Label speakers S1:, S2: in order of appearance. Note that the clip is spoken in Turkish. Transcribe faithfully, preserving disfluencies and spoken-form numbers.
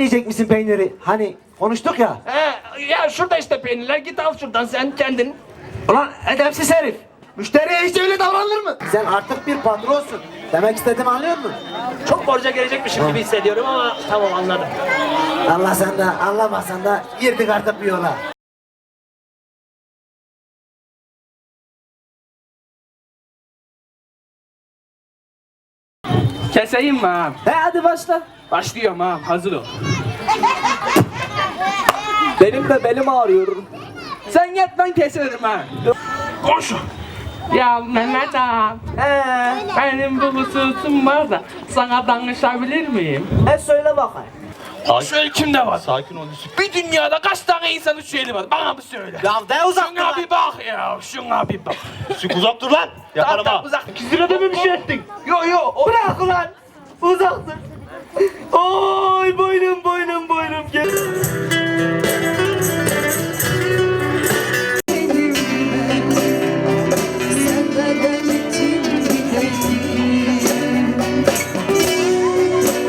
S1: Yemeyecek misin peyniri? Hani konuştuk ya.
S2: He, ya şurada işte peynirler, git al şuradan sen kendin.
S1: Ulan edepsiz herif. Müşteriye hiç öyle davranılır mı? Sen artık bir patronsun. Demek istediğimi anlıyor musun?
S2: Çok borca gelecekmişim gibi hissediyorum ama tamam anladım.
S1: Anlasan da anlamasan da girdik artık bir yola.
S3: Keseyim mi ağam?
S1: He hadi başla.
S3: Başlıyorum ağam, hazır ol.
S1: Benim de belim ağrıyor.
S3: Sen yat, ben keserim ha.
S2: Koş.
S3: Ya Mehmet ağam,
S1: He.
S3: benim bu hususum var da sana danışabilir miyim?
S1: He söyle bakayım.
S2: Şu elimde var.
S4: Sakin ol Yusuf.
S2: Bir dünyada kaç tane insanın şu eli var? Bana bir söyle.
S1: Ya de uzak dur
S2: Şuna
S1: lan.
S2: bir bak ya, şuna bir bak.
S4: Yusuf uzak dur lan. Yakarım
S2: Tamam,
S4: ha.
S2: uzak. İki lirada mı bir şey ettin? Yo yo. O...
S1: Bırak ulan. Uzak dur. Oy boynum boynum boynum. Gel.